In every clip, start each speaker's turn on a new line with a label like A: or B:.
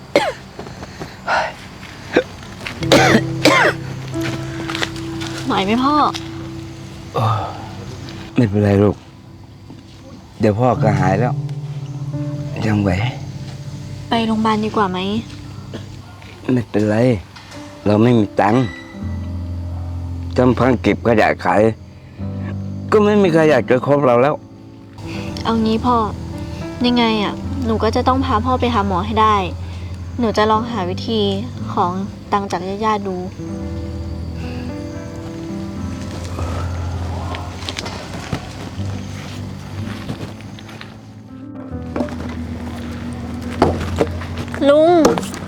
A: ไหวไหมพ่อ
B: ไม่เป็นไรลูกเดี๋ยวพ่อก็หายแล้วยังไหว
A: ไปโรงพยาบาลดีกว่าไหม
B: ไม่เป็นไรเราไม่มีตังค์จำพังเก็บขยะขายก็ไม่มีใครอยากจะคบเราแล้ว
A: เอางี้พ่อยังไงอ่ะหนูก็จะต้องพาพ่อไปหาหมอให้ได้หนูจะลองหาวิธีของตังค์จากญาติๆดูลุง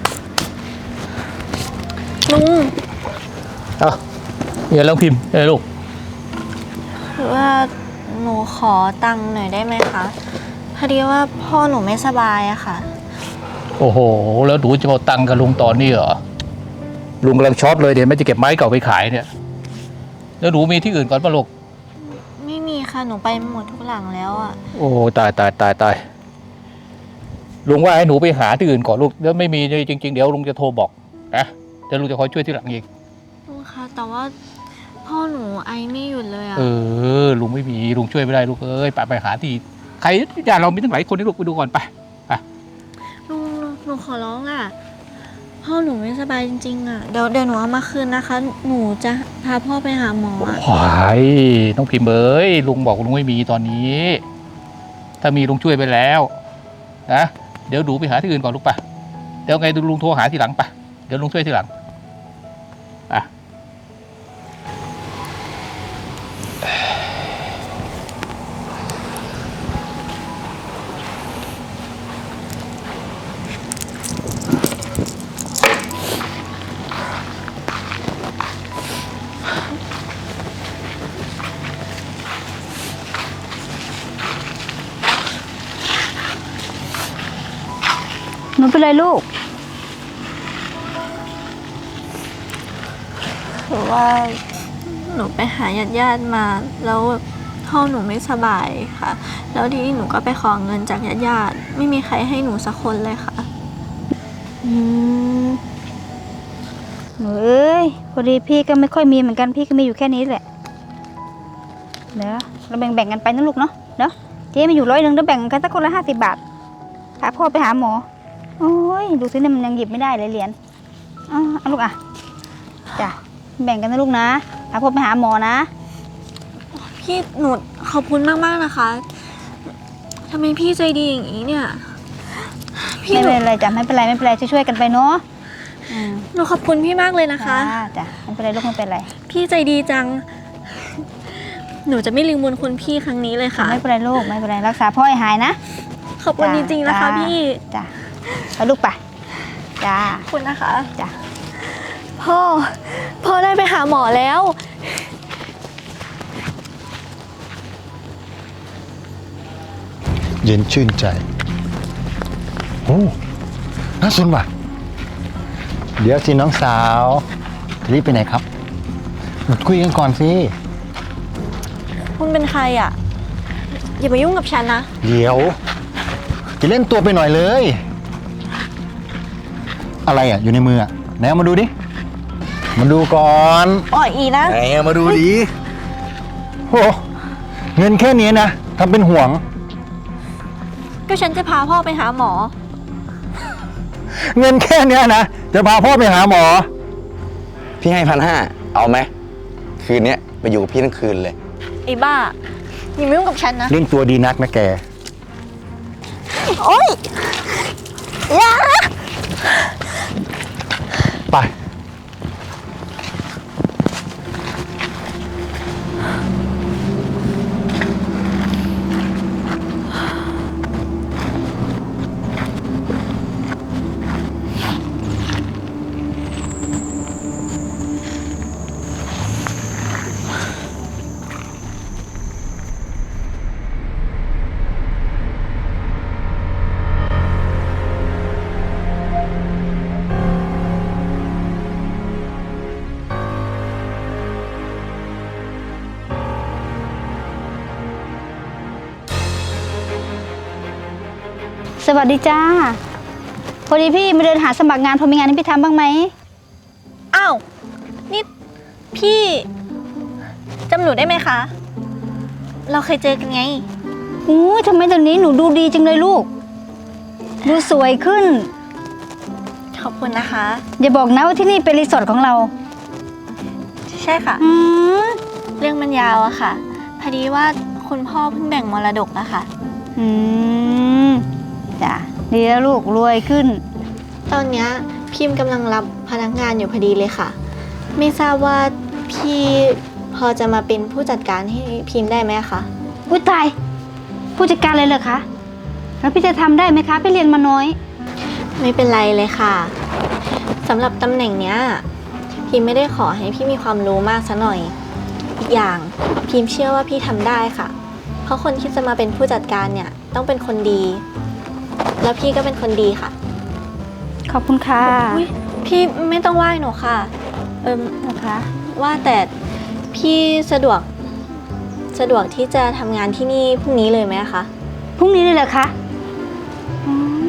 C: อย่าลองพิมพ์ลูก
A: คือว่าหนูขอตังค์หน่อยได้ไหมคะพอดีว่าพ่อหนูไม่สบายอะค่ะ
C: โอ้โหแล้วหนูจะเอาตังค์กับลุงตอนนี้เหรอลุงกำลังช็อตเลยเดี๋ยวไม่จะเก็บไม้เก่าไปขายเนี่ยแล้วหนูมีที่อื่นก่อนป่ะลูก
A: ไม่มีค่ะหนูไปหมดทุกหลังแล้วอะ
C: โอ้ตายลุงว่าให้หนูไปหาที่อื่นก่อนลูกแล้วไม่มีจริงๆเดี๋ยวลุงจะโทรบอกนะเดี๋ยวลุงจะคอยช่วยที่หลังเอง
A: ลุงคะแต่ว่าพ่อหนูไอไม่หยุดเลยอะ
C: ลุงไม่มีลุงช่วยไม่ได้ลูกเอ้ยไปหาที่ใครญาติเรามีตั้งหลายคนนี่ลูกไปดูก่อนไป
A: ลุงหนูขอร้องอะพ่อหนูไม่สบายจริงๆอะเดี๋ยวหนูเอามาคืนนะคะหนูจะพาพ่อไปหาหมอ
C: โอ้ยน้องพิมพ์เอ้ยลุงบอกลุงไม่มีตอนนี้ถ้ามีลุงช่วยไปแล้วนะเดี๋ยวดูไปหาที่อื่นก่อนลูกป่ะเดี๋ยวไงดูลุงโทรหาทีหลังป่ะเดี๋ยวลุงช่วยทีหลัง
D: หนูเป็นไรลูก
A: คือว่าหนูไปหาญาติมาแล้วพ่อหนูไม่สบายค่ะแล้วทีนี้หนูก็ไปขอเงินจากญาติไม่มีใครให้หนูสักคนเลยค่ะ
D: หนูเอ้ยพอดีพี่ก็ไม่ค่อยมีเหมือนกันพี่ก็มีอยู่แค่นี้แหละเดี๋ยวเราแบ่งกันไปนะลูกเนาะเจ๊มาอยู่100แล้วแบ่งกันสักคนละ50 บาทพาพ่อไปหาหมอโอ้ยดูสิเนี่ยมันยังหยิบไม่ได้เลยเหรียญเอาลูกจ้ะแบ่งกันนะลูกนะพาพ่อไปหาหมอนะ
A: พี่หนูขอบคุณมากๆนะคะทำไมพี่ใจดีอย่างนี้เนี่ย
D: ไม่เป็นไรจ้ะไม่เป็นไรช่วยๆกันไปเนาะ
A: หนูขอบคุณพี่มากเลยนะคะ
D: จ้ะไม่เป็นไรลูกไม่เป็นไร
A: พี่ใจดีจังหนูจะไม่ลืมบุญคุณพี่ครั้งนี้เลยค่ะ
D: ไม่เป็นไรลูกไม่เป็นไรรักษาพ่อให้หายนะ
A: ขอบคุณจริงๆนะคะพี่
D: จ้ะไปลูกไปจ้า
A: ขอบคุณนะคะ
D: จ้ะ
A: พ่อได้ไปหาหมอแล้ว
E: เย็นชื่นใจโอ้น่าสนว่ะเดี๋ยวสิน้องสาวจะรีบไปไหนครับหยุดคุยกันก่อนสิ
A: คุณเป็นใครอ่ะอย่ามายุ่งกับฉันนะ
E: เดี๋ยวจะเล่นตัวไปหน่อยเลยอะไรอ่ะอยู่ในมืออ่ะไหนเอามาดูดิมาดูก่อน
A: อีนะ
E: ไหนเอามาดูดิโหเงินแค่นี้นะทำเป็นห่วง
A: ก็ฉันจะพาพ่อไปหาหมอ
E: เงินแค่นี้นะจะพาพ่อไปหาหมอ
B: พี่ให้1,500เอาไหมคืนนี้ไปอยู่กับพี่ทั้งคืนเลย
A: ไอ้บ้าอย่ามายุ่งกับฉันนะ
E: เล่นตัวดีนักนะแก
A: โอ๊ยอย่า
E: ไป
D: สวัสดีจ้าอดีพี่มาเดินหาสมัครงานพอมีงานให้พี่ทำบ้างไหม
A: อ้าว นี่พี่จำหนูได้ไหมคะ เราเคยเจอกันไง
D: อู้ทำไมตอนนี้หนูดูดีจังเลยลูก ดูสวยขึ้น
A: ขอบคุณนะคะ
D: อย่าบอกนะว่าที่นี่เป็นรีสอร์ทของเรา
A: ใช่ค่ะ
D: อืม
A: เรื่องมันยาวอะค่ะ พอดีว่าคุณพ่อเพิ่งแบ่งมรดกอะค่ะ
D: อืมจ้ะดีแล้วลูกรวยขึ้น
A: ตอนเนี้ยพิมพ์กำลังรับพนักงานอยู่พอดีเลยค่ะ ไม่ทราบว่าพี่พอจะมาเป็นผู้จัดการให้พิมพ์ได้ไหมคะ
D: อุ้ยตายผู้จัดการเลยเหรอคะแล้วพี่จะทำได้ไหมคะพี่เรียนมาน้อย
A: ไม่เป็นไรเลยค่ะสำหรับตำแหน่งเนี้ยพิมไม่ได้ขอให้พี่มีความรู้มากซะหน่อย อีกอย่างพิมเชื่อว่าพี่ทำได้ค่ะ เพราะคนที่จะมาเป็นผู้จัดการเนี่ยต้องเป็นคนดี แล้วพี่ก็เป็นคนดีค่ะ
D: ขอบคุณค่ะ
A: อุ๊ยพี่ไม่ต้องไหว้หนูค่ะ
D: นะคะ
A: ว่าแต่พี่สะดวกที่จะทำงานที่นี่พรุ่งนี้เลยไหมคะ
D: พรุ่งนี้เลยเหรอคะอืม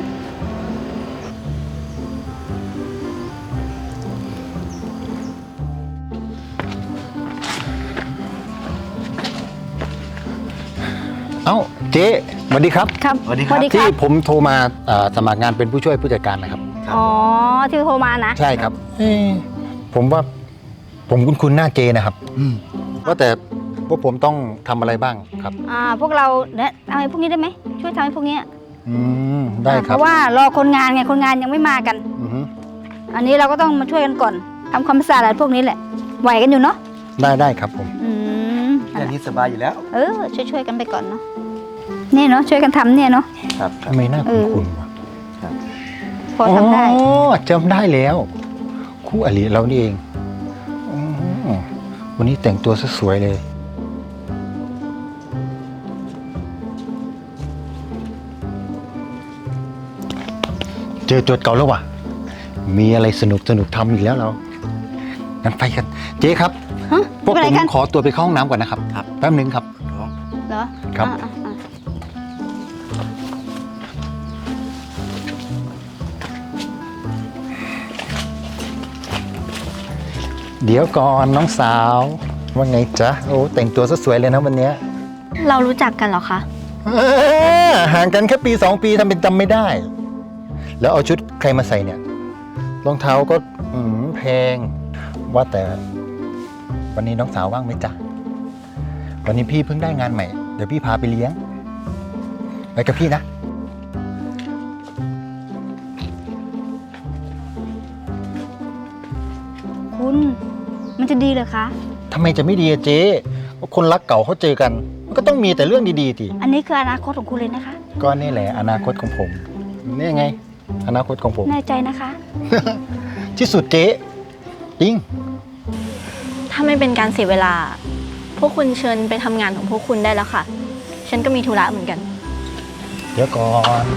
E: เอ้าเจ๊สวัสดีครับ
D: ครับ
B: สวัสดีครับ
E: ที่ผมโทรมาสมัครงานเป็นผู้ช่วยผู้จัดการนะครับ
D: อ๋อที่โทรมานะ
E: ใช่ครับผมว่าผมคุ้นๆหน้าเจนะครับว่าแต่พวกผมต้องทำอะไรบ้างครับ
D: พวกเราเนี่ยเอาไอ้พวกนี้ได้ไหมช่วยทำให้พวกเนี้ย
E: ได้ค
D: เพ
E: รับ
D: ราะว่ารอคนงานไงคนงานยังไม่มากัน
E: อือฮึ
D: อันนี้เราก็ต้องมาช่วยกันก่อนทำความสะอาดอะไรพวกนี้แหละไหวกันอยู่เนาะ
E: ได้ครับผม
D: อืม
B: แค่นี้สบายอยู่แล้ว
D: ช่วยกันไปก่อนเนาะเนี่ยเนาะช่วยกันทำเนี่ยเนาะ
B: ครับ
E: ทำไมหน้าคุ้นๆวะ
D: พอทำได้
E: อ๋อจำได้แล้วคู่อริเรานี่เองอ๋อวันนี้แต่งตัวซะสวยเลย เจอโจทย์เก่าแล้วว่ะ มีอะไรสนุกทำอีกแล้วเรา งั้นไปกัน เจ๊ครับ
D: ฮะ
E: พวก
D: เป็น
E: ผ
D: ไร
E: ม
D: กัน
E: ขอตัวไปเข้าห้องน้ำก่อนนะครับ แป๊บนึงครับ
D: เหรอ
E: ครับ
D: อ่ะ
E: เดี๋ยวก่อนน้องสาว ว่าไงจ๊ะ โอ้แต่งตัวซะสวยเลยนะวันเนี้ย
A: เรารู้จักกันเหรอคะ
E: ห่างกันแค่ปี 2 ปีทำเป็นจำไม่ได้ แล้วเอาชุดใครมาใส่เนี่ย รองเท้าก็แพง ว่าแต่ วันนี้น้องสาวว่างไหมจ๊ะ วันนี้พี่เพิ่งได้งานใหม่ เดี๋ยวพี่พาไปเลี้ยง ไปกับพี่นะ
D: คุณมันจะดีเหรอคะ
E: ทำไมจะไม่ดีอะเจ๊ก็คนรักเก่าเขาเจอกัน มันก็ต้องมีแต่เรื่องดีๆที
D: อันนี้คืออนาคตของคุณเลยนะคะ
E: ก็นี่แหละอนาคตของผม นี่ไง อนาคตของผม
D: แน่ใจนะคะ
E: ที่สุดเจ๊จริง
A: ถ้าไม่เป็นการเสียเวลา พวกคุณเชิญไปทำงานของพวกคุณได้แล้วค่ะ ฉันก็มีธุระเหมือนกัน
E: เดี๋ยวก่อน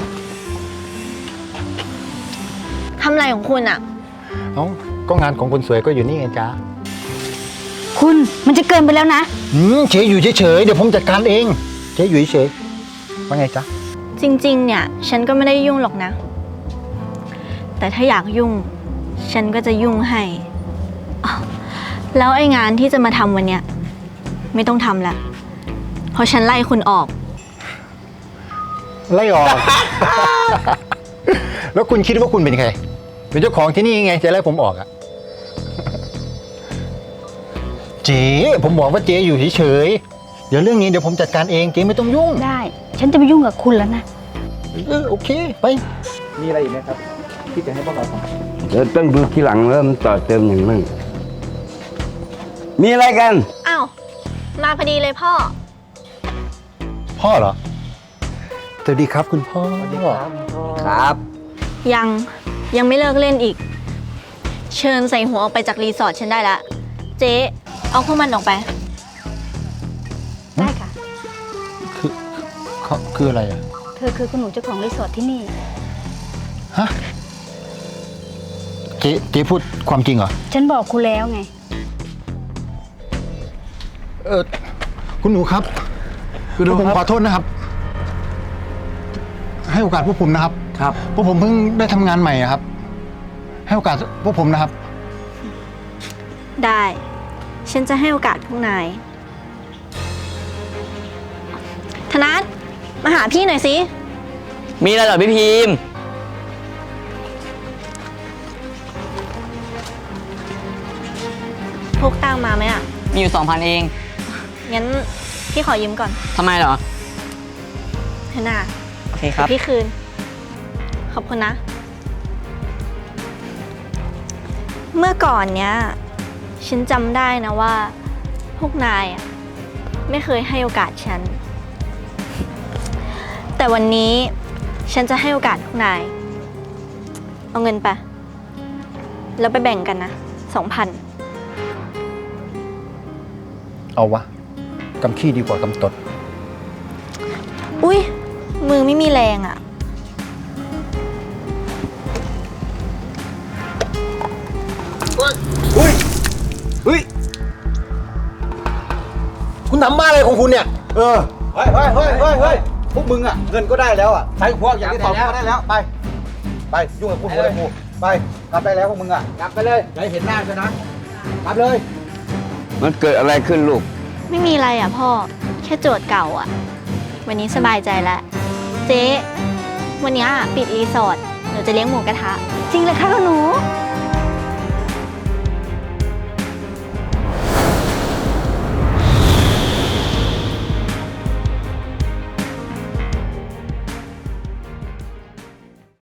A: ทำอะไรของคุณอะ
E: เอ้าก็งานของคนสวยก็อยู่นี่ไงจ๊ะ
D: คุณมันจะเกินไปแล้วนะ
E: เจ๊อยู่เฉยๆเดี๋ยวผมจัดการเองเจ๊อยู่เฉยๆว่าไงจ๊ะ
A: จริงๆ เนี่ย ฉันก็ไม่ได้ยุ่งหรอกนะ แต่ถ้าอยากยุ่ง ฉันก็จะยุ่งให้อ้าวแล้วไอ้งานที่จะมาทำวันเนี้ยไม่ต้องทำละเพราะฉันไล่คุณออก
E: ไล่ออก แล้วคุณคิดว่าคุณเป็นใคร เป็นเจ้าของที่นี่ไงจะไล่ผมออกอะเจ๊ผมบอกว่าเจ๊อยู่เฉยๆเดี๋ยวเรื่องนี้เดี๋ยวผมจัดการเองเจ๊ไม่ต้องยุ่ง
D: ได้ ฉันจะไม่ยุ่งกับคุณแล้วนะ
E: โอเคไป
C: มีอะไรอีกไหมครับที่จะให้พวกเราทำ
B: เดี๋ยวต้องดูทีหลังเริ่มนต่อเติมอย่างมั่งมีอะไรกัน
A: อ้าว มาพอดีเลยพ่อ
E: พ่อเหรอสวัสดีครับคุณพ่อ
B: ครับ
A: ยังไม่เลิกเล่นอีก เชิญใส่หัวออกไปจากรีสอร์ทฉันได้ละ เจ๊เอาพวกมันออกไป
D: ได้ค่ะ
E: คืออะไรอ่ะ
D: เธอคือคุณหนูเจ้าของรีสอร์ทที่นี่
E: ฮะเจ๊พูดความจริงเหรอ
D: ฉันบอกคุณแล้วไง
E: คุณหนูครับผมขอโทษนะครับ ให้โอกาสพวกผมนะครับ
B: ครับ
E: พวกผมเพิ่งได้ทำงานใหม่อะครับ ให้โอกาสพวกผมนะครับ
A: ได้ ฉันจะให้โอกาสพวกนาย ธนัทมาหาพี่หน่อยสิ
F: มีอะไรเหรอพี่พิมพ์
A: พกตังค์มาไหมอ่ะ
F: มีอยู่ 2,000 เอง
A: งั้นพี่ขอยืมก่อน
F: ทำไมเหรอ
A: เถอะนะ
F: โอเคครับ
A: เดี๋ยวพี่คืน ขอบคุณนะ เมื่อก่อนเนี้ย ฉันจำได้นะว่า พวกนายอ่ะไม่เคยให้โอกาสฉัน แต่วันนี้ฉันจะให้โอกาสพวกนาย เอาเงินไป แล้วไปแบ่งกันนะ 2,000
E: เอาวะกำขี้ดีกว่ากำตด
A: อุ้ยมือไม่มีแรงอ่ะ
E: เฮ้ย คุณทำบ้าอะไรของคุณเนี่ย
G: เฮ้ยพวกมึงอ่ะ เงินก็ได้แล้วอ่ะใช้พวกอย่างที่ตอบก็ได้แล้ว ไป ไป ยุ่งกับพวกมึงเลยกูไป กลับได้แล้วพวกมึงอ่ะ กลับไปเลยอย่าให้เห็นหน้าเลยนะ กลับเลย
B: มันเกิดอะไรขึ้นลูก
A: ไม่มีอะไรอ่ะพ่อ แค่โจทย์เก่าอ่ะ วันนี้สบายใจแล้ว เจ๊ วันนี้ปิดรีสอร์ทหนูจะเลี้ยงหมูกระทะ
D: จริงเลยค่ะคุณหนู
A: ใ